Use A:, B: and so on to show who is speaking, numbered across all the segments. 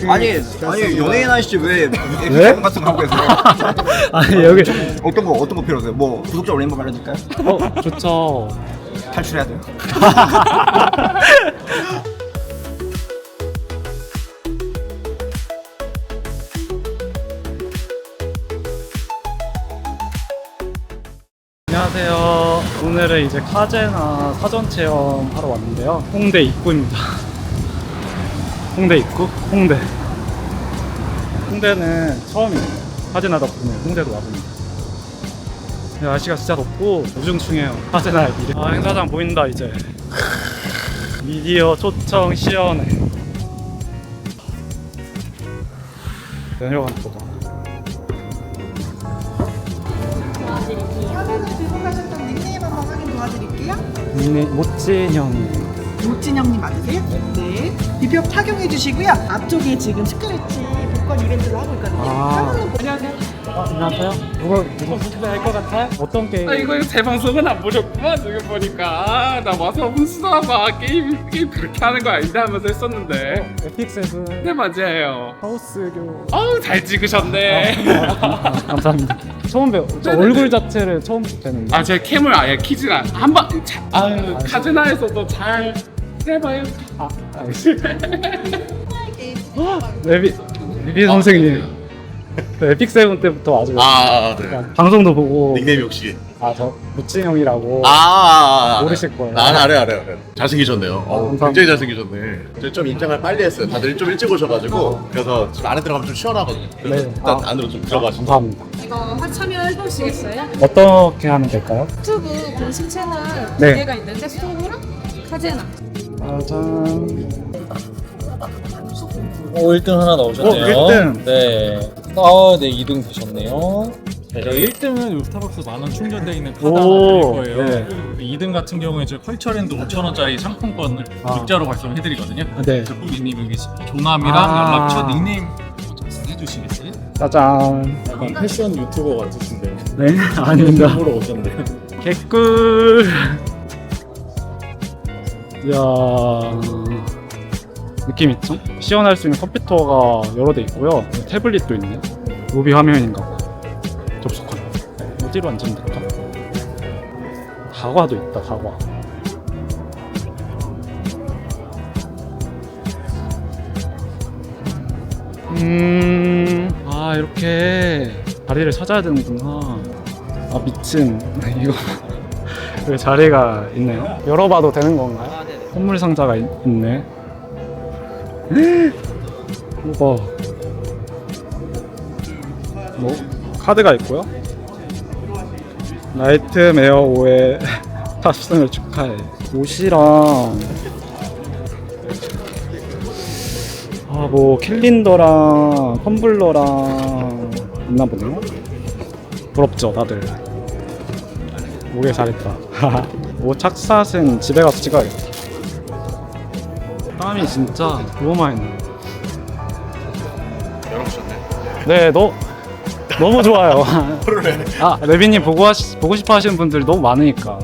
A: 아니 연예인 아저씨 왜
B: 네?
A: F 같은 거 하고 계세요?
B: 아니 여기
A: 어떤 거 필요하세요? 뭐 구독자 올리는 법 알려줄까요?
B: 좋죠.
A: 탈출해야 돼요.
B: 안녕하세요. 오늘은 이제 카제나 사전 체험 하러 왔는데요. 홍대 입구입니다. 홍대 입구? 홍대. 홍대는 처음이에요. 카제나 덕분에 홍대도 와봅니다. 날씨가 진짜 덥고 우중충해요. 카제나 일이. 행사장 보인다 이제. 미디어 초청 시연회. 내려가는 거다.
C: 화면을 들고 가셨던 닉네임 한번 확인 도와드릴게요.
B: 모찐형.
C: 모진영님 맞으세요? 네. 비표 착용해 주시고요. 앞쪽에 지금 스크래치 복권 이벤트를 하고 있거든요. 안녕하세요.
B: 안녕하세요. 누구 알것 같아요? 어떤 게임?
D: 이거 제 방송은 안 보셨구만. 지금 보니까 나 와서 훈수나봐 게임 그렇게 하는 거 아닌데 하면서 했었는데.
B: 에픽 세븐.
D: 네 맞아요.
B: 하우스교.
D: 어우 잘 찍으셨네.
B: 감사합니다. 처음 봬요. 저
D: 네네네.
B: 얼굴 자체를 처음 뵙는데.
D: 아 제가 캠을 아예 키지가 한번 아유 카즈나에서도 잘 해봐요.
B: 알겠습니다. 레비 선생님. 저 에픽 세븐 때부터 아주
E: 네.
B: 방송도 보고.
E: 닉네임이 혹시?
B: 저 무진 형이라고. 모르실 거예요.
E: 알아요. 잘생기셨네요.
B: 감사합니다.
E: 굉장히 잘생기셨네. 제가 좀 인장을 빨리 했어요. 다들 좀 일찍 오셔가지고 그래서 지금 안에 들어가면 좀 시원하거든요. 그래서
B: 네.
E: 일단 안으로 좀 들어가시죠.
B: 감사합니다.
F: 이거 참여해보시겠어요?
B: 어떻게 하면 될까요?
F: 유튜브 공식 채널
B: 네.
F: 두 개가 있는데 스토브랑 카제나.
B: 짜잔.
G: 1등 하나 넣으셨네요.
B: 1등.
G: 네. 네, 2등 되셨네요.
H: 네, 1등은 스타벅스 만원 충전되어 있는 카드
B: 오,
H: 하나 드릴 거예요.
B: 네.
H: 2등 같은 경우에 저희 컬처랜드 5,000원짜리 상품권을 문자로 발송해드리거든요.
B: 네.
H: 그래서 고객님 여기 종함이랑
B: 아.
H: 연락처, 닉네임 작성해 주시겠어요?
B: 짜잔.
G: 약간 패션 유튜버 같으신데.
B: 네, 아닙니다.
G: 보러 오셨네.
B: 개꿀. 이야, 느낌 있죠? 시연할 수 있는 컴퓨터가 여러 대 있고요. 태블릿도 있네. 로비 화면인가 봐. 접속하는. 어디로 앉으면 될까? 다과도 있다, 다과. 이렇게 자리를 찾아야 되는구나. 미친. 이거 왜 자리가 있네요? 열어봐도 되는 건가요? 선물 상자가 있네. 우와. 카드가 있고요. 나이트메어 5의 탑승을 축하해. 옷이랑 캘린더랑 텀블러랑 있나 보네요. 부럽죠 다들. 오길 잘했다. 착샷은 집에 가서 찍어야겠다. 땀이 진짜 너무 많이 나요.
E: 열어보셨네.
B: 네, 너무 좋아요. 레비님 보고 싶어 하시는 분들이 너무 많으니까.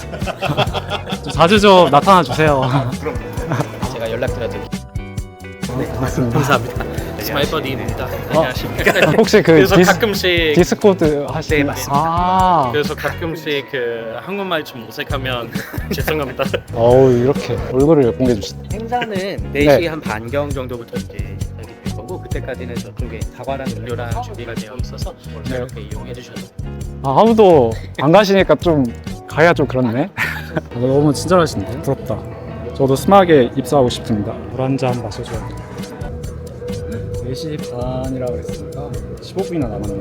B: 자주 좀 나타나 주세요.
I: 제가 연락드려드릴게요.
B: 맞습니다.
I: 감사합니다. 스마일버디입니다. 안녕하십니까.
B: 혹시
I: 그래서 가끔씩
B: 디스코드 하시는?
I: 네, 맞습니다.
B: 아,
I: 그래서 가끔씩 한국말 좀 어색하면 죄송합니다.
B: 이렇게 얼굴을 공개해 주시네.
I: 행사는
B: 네.
I: 4시 한 반경 정도부터 이제 시작이 될 거고 그때까지는 저쪽에 사과랑 음료랑 준비가 되어 있어서 이렇게 이용해 주셔도
B: 아무도 안 가시니까 좀 가야 좀 그렇네. 너무 친절하신데 부럽다. 저도 스마게 입사하고 싶습니다. 물 한 잔 마셔줘야 4시 반이라고 했으니까 15분이나 남았네요.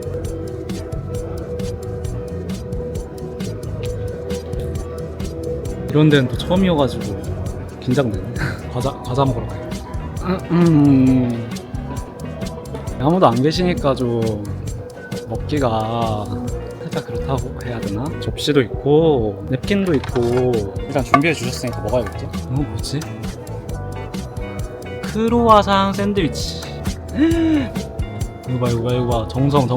B: 이런 데는 또 처음이어가지고 긴장되네. 과자 먹으러 가야겠다. 아무도 안 계시니까 좀 먹기가 살짝 그렇다고 해야 되나? 접시도 있고 냅킨도 있고 일단 준비해 주셨으니까 먹어야겠죠? 뭐지? 크로와상 샌드위치. 이거 봐 정성.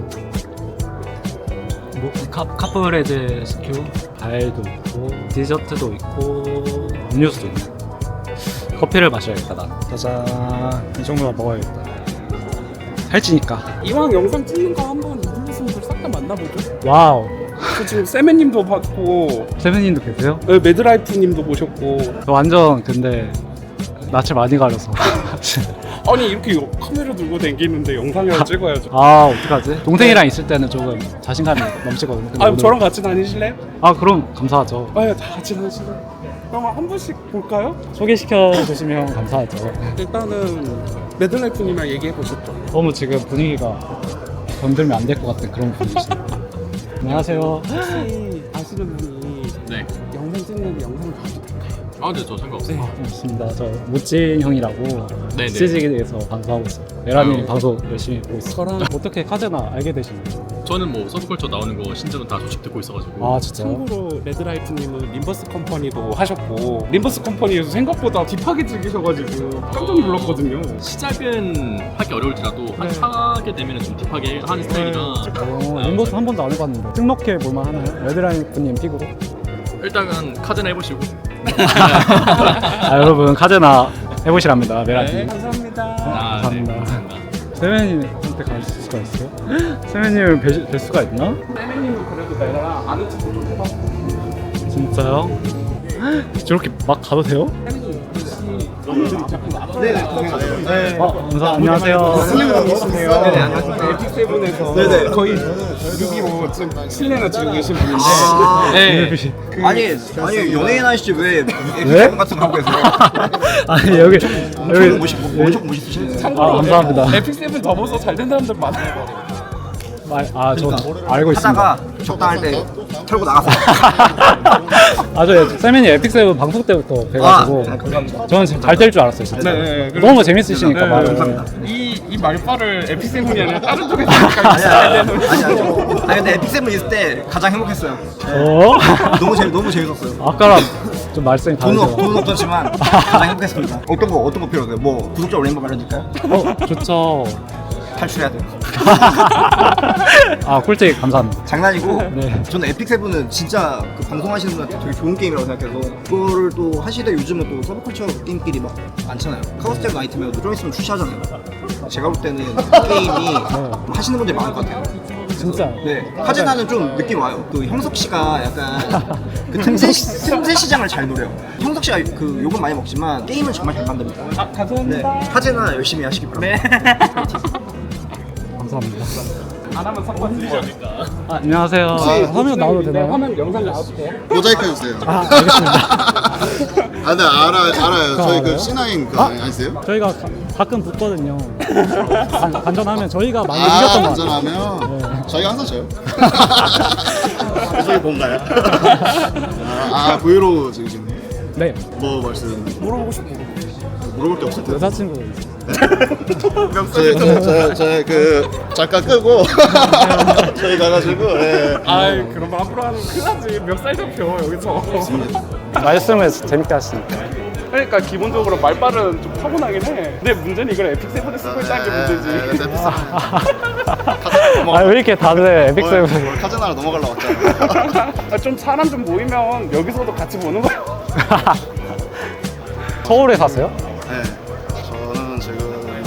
B: 카프레제 스큐 과일도 있고 디저트도 있고 음료수도 있네. 커피를 마셔야겠다 나. 짜잔. 이 정도만 먹어야겠다. 살찌니까.
D: 이왕 영상 찍는 거 한번 인플루언서들 싹 다 만나보죠.
B: 와우.
D: 저 지금 세메님도 봤고,
B: 세븐님도 계세요?
D: 네, 매드라이프님도 보셨고.
B: 저 완전 근데 낯을 많이 가려서.
D: 아니 이렇게 카메라 들고 다니는데 영상이라도 찍어야죠.
B: 아 어떡하지? 동생이랑 있을 때는 조금 자신감이 넘치거든요. 근데
D: 아
B: 오늘-
D: 저랑 같이 다니실래요?
B: 아 그럼 감사하죠.
D: 네, 다 같이 다니실래요? 그럼 한 분씩 볼까요?
B: 소개시켜 주시면 감사하죠.
D: 일단은 매드라이프님이랑 얘기해 보셨죠.
B: 너무 지금 분위기가 건들면 안 될 것 같은 그런 분위기시네요. 안녕하세요.
D: 혹시 아시는 분이
H: 네.
D: 영상 찍는 영상 봐도 될까요?
H: 아, 네, 저 상관없어요.
B: 반갑습니다. 저 모찐 형이라고
H: 네네.
B: CG에서 방송하고 있어요. 메라님
H: 아유.
B: 방송 열심히 보고 있어요. 저랑 어떻게 카제나 알게 되신 거예요?
H: 저는 뭐 서브컬처 나오는 거 신제는 다 소식 듣고 있어가지고.
B: 아 진짜요?
D: 참고로 레드라이프님은 림버스 컴퍼니도 하셨고 림버스 컴퍼니에서 생각보다 딥하게 즐기셔가지고 깜짝 놀랐거든요.
H: 시작은 하기 어려울지라도 한
B: 네.
H: 하게 되면 좀 딥하게 하는 스타일이라.
B: 인버스 한 번도 안 해봤는데 등록해 볼만 하나요? 레드라인님 픽으로?
H: 일단은 카드나 해보시고.
B: 아 여러분 카제나 해보시랍니다. 메라님.
D: 감사합니다.
H: 아,
B: 감사합니다.
H: 네, 감사합니다.
B: 세멘님한테 갈 수가 있어요? 세멘님을 뵐 수가 있나?
D: 세메님은 그래도 내가 아는 척도 좀 해봤고
B: 진짜요? 저렇게 막 가도 돼요? 안녕하세요.
A: 네네, 안녕하세요.
D: 에픽세븐에서
A: 네네.
D: 거의 6.25 지금 실내나 지고 계신 분인데
H: 네.
A: 아니 연예인 아저씨 왜
B: 왜?
A: 에픽세븐 같은 거 하고 계세요?
B: 아니 여기
A: 엄청 엄청 멋있으시네요.
B: 아 감사합니다.
D: 에픽세븐 더 보서 잘 된 사람들 많아요.
B: 저 알고 있습니다.
A: 하다가 적당할 때 털고 나갔어요.
B: 저 세멘이 에픽세븐 방송 때부터 뵈가지고
A: 감사합니다.
B: 저는 잘 될 줄 알았어요. 진짜.
D: 네,
B: 너무 재밌으시니까
D: 네,
B: 말을.
A: 감사합니다.
D: 이 말빨을 에픽세븐이 아니라 다른 쪽에서
A: 아니 근데 에픽세븐 있을 때 가장 행복했어요. 너무 재밌었어요.
B: 아까랑 좀 말씀이 다르죠.
A: 돈은 없었지만 가장 행복했습니다. 어떤 거 필요해요? 뭐 구독자 올린 거 말해줄까요?
B: 좋죠.
A: 탈출해야 돼요.
B: 아 꿀팁 감사합니다.
A: 장난이고
B: 네.
A: 저는 에픽세븐은 진짜 그 방송하시는 분한테 되게 좋은 게임이라고 생각해서 그거를 또 하시다 요즘은 또 서브컬처 게임끼리 막 많잖아요. 카우스텍 나이트메어도 좀 있으면 출시하잖아요. 제가 볼 때는 그 게임이 하시는 분들이 많을 것 같아요.
B: 진짜.
A: 네, 카제나는 좀 느낌 와요. 그 형석 씨가 약간 그 틈새 시장을 잘 노려요. 형석 씨가 그 욕은 많이 먹지만 게임을 정말 잘 만듭니다.
D: 아, 감사합니다.
A: 네, 카제나 열심히 하시기 바랍니다.
B: 감사합니다.
D: 안 하면 상관 드리죠.
B: 안녕하세요. 화면 나와도 되나요?
D: 화면 영상 나와도 돼요?
J: 모자이크 해주세요.
B: 알겠습니다.
J: 네 알아요. 저희 그
B: 알아요?
J: C9 그거 아니세요?
B: 저희가 가끔 붙거든요. 반전하면 저희가 많이 이겼던 것 같아요.
J: 안전하면 저희가 항상 져요. 저희 뭔가요? 브이로그 찍으시네요.
B: 네.
J: 뭐 말씀?
D: 물어보고 싶어.
J: 물어볼 게 없을 텐데.
B: 여자친구
J: 저희 그 잠깐 끄고 저희 가가지고
D: 아이 그럼 앞으로 하면 큰일 나지. 멱살 잡혀 여기서.
B: 말씀을 재밌게 하시니까.
D: 그러니까 기본적으로 말빨은 좀 타고나긴 해. 근데 문제는 이걸 에픽세븐에 쓰고 있다는 게 문제지.
B: 왜 이렇게 다들 에픽세븐
J: 카제나로 넘어가려고 왔잖아.
D: 좀 사람 좀 모이면 여기서도 같이 보는 거야.
B: 서울에 사세요?
J: 네. 저는 지금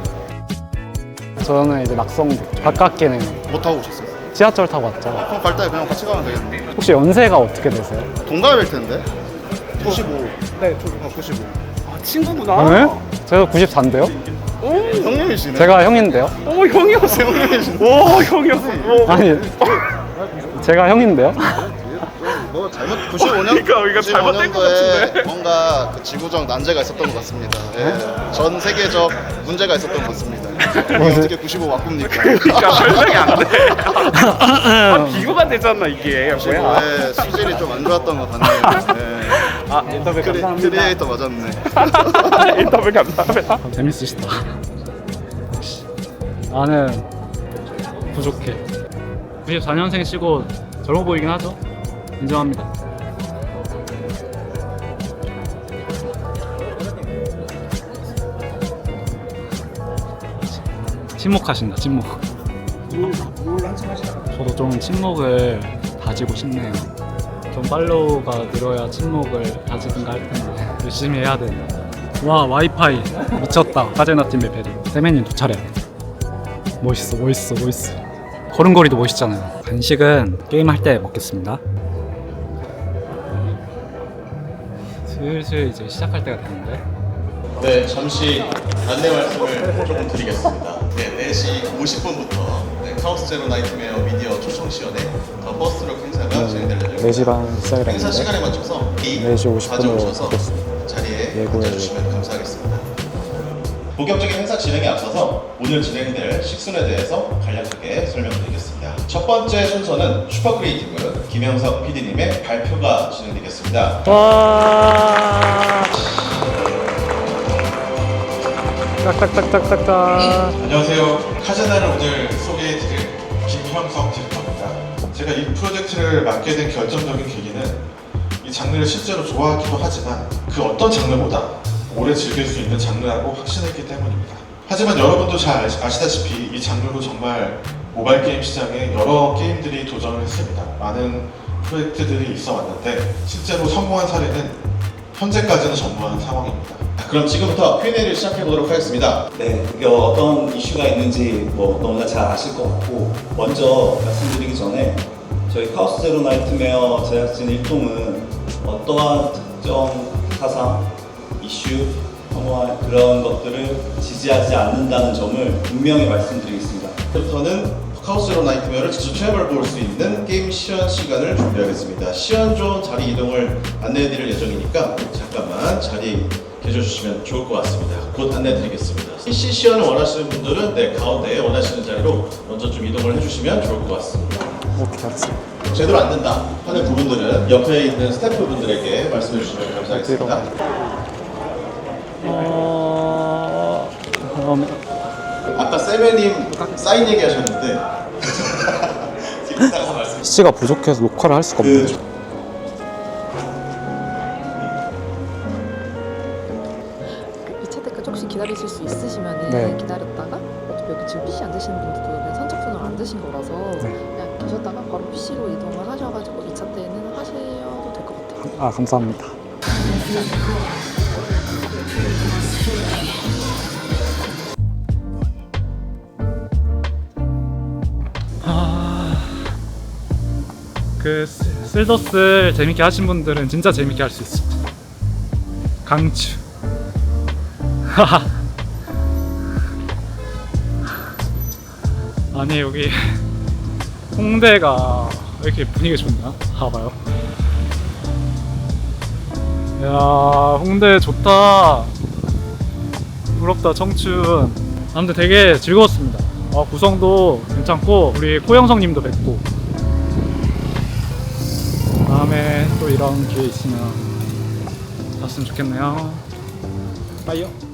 B: 저는 이제 낙성도 가깝게는
J: 못 타고 오셨어요.
B: 지하철 타고 왔죠.
J: 그럼 갈 때 그냥 같이 가면 되겠네.
B: 혹시 연세가 어떻게 되세요?
J: 동갑일 텐데. 95.
D: 네,
J: 95.
D: 아 친구구나.
B: 네? 제가 94인데요?
D: 오,
J: 형님이시네.
B: 제가 형인데요?
D: 오 형이었어. 오 형이었어. 오.
B: 아니 제가 형인데요?
J: 뭐 잘못 95년
D: 그러니까 우리가 잘못된 것 같은데.
J: 뭔가 그 지구적 난제가 있었던 것 같습니다. 예. 전 세계적 문제가 있었던 것 같습니다. 이게 어떻게 95 바꿉니까?
D: 그러니까 설명이 안 돼. 비교가 되잖아 이게. 뭐야?
J: 예, 수질이 좀 안 좋았던 것 같네요. 예.
D: 아 인터뷰 감사합니다.
J: 크리에이터 맞았네.
D: 인터뷰 감사합니다.
B: 재밌으시다. 나는 부족해. 94년생 치고 젊어 보이긴 하죠? 인정합니다. 침묵하신다, 침묵. 저도 좀 침묵을 다지고 싶네요. 좀 팔로우가 늘어야 침묵을 다지든가 할 텐데 열심히 해야 되는데 와 와이파이 미쳤다. 카제나 팀 레벨이. 세맨님 두 차례. 멋있어. 걸음걸이도 멋있잖아요. 간식은 게임할 때 먹겠습니다. 슬슬 이제 시작할 때가 됐는데.
E: 네, 잠시 안내 말씀을 조금 드리겠습니다. 네, 4시 50분부터 카오스 제로 나이트메어 미디어 초청 시연회 더 버스트럭 행사가 진행될 예정입니다.
B: 4시 반 시작이라는데
E: 행사 시간에 맞춰서
B: 4시 50분으로
E: 가져오셔서
B: 바꿨습니다.
E: 자리에 앉아주시면 감사하겠습니다. 본격적인 행사 진행에 앞서서 오늘 진행될 식순에 대해서 간략하게 설명드리겠습니다. 첫 번째 순서는 슈퍼크리에이티브 김영석 PD님의 발표가 진행되겠습니다.
B: 와. 딱딱딱딱딱딱.
K: 안녕하세요. 카제나를 오늘 소개해드릴 김형석 디렉터입니다. 제가 이 프로젝트를 맡게 된 결정적인 계기는 이 장르를 실제로 좋아하기도 하지만 그 어떤 장르보다 오래 즐길 수 있는 장르라고 확신했기 때문입니다. 하지만 여러분도 잘 아시다시피 이 장르로 정말 모바일 게임 시장에 여러 게임들이 도전을 했습니다. 많은 프로젝트들이 있어 왔는데 실제로 성공한 사례는 현재까지는 전무한 상황입니다.
E: 그럼 지금부터 Q&A를 시작해 보도록 하겠습니다.
L: 네, 그게 어떤 이슈가 있는지 너무나 잘 아실 것 같고 먼저 말씀드리기 전에 저희 카오스 제로 나이트메어 제작진 일동은 어떠한 특정 사상, 이슈, 혐오와 그런 것들을 지지하지 않는다는 점을 분명히 말씀드리겠습니다.
E: 부터는 카오스 제로 나이트메어를 직접 체험해 볼 수 있는 게임 시연 시간을 준비하겠습니다. 시연 존 자리 이동을 안내해 드릴 예정이니까 잠깐만 자리 계셔주시면 좋을 것 같습니다. 곧 안내 드리겠습니다. PC 시연을 원하시는 분들은 가운데에 원하시는 자리로 먼저 좀 이동을 해주시면 좋을 것 같습니다.
B: 오케이, 알았어.
E: 제대로 안 된다 하는 부분들은 옆에 있는 스태프분들에게 말씀해 주시면 감사하겠습니다. 아까 세메님 사인 얘기하셨는데 이따가 말씀.
B: PC가 부족해서 녹화를 할 수가 없네요.
F: 혹시 기다리실 수 있으시면
B: 네.
F: 기다렸다가 어차피 여기 지금 PC 안 드시는 분들도 그냥 선착순으로 안 드신 거라서 그냥 계셨다가 바로 PC로 이동을 하셔가지고 2차 때는 하셔도 될 것 같아요.
B: 아 감사합니다. 그 쓸더스 재밌게 하신 분들은 진짜 재밌게 할 수 있습니다. 강추. 아니 여기 홍대가 왜 이렇게 분위기 좋냐? 봐봐요. 야 홍대 좋다. 부럽다 청춘. 아무튼 되게 즐거웠습니다. 구성도 괜찮고 우리 코영성님도 뵙고 다음에 또 이런 기회 있으면 봤으면 좋겠네요. 빠이요.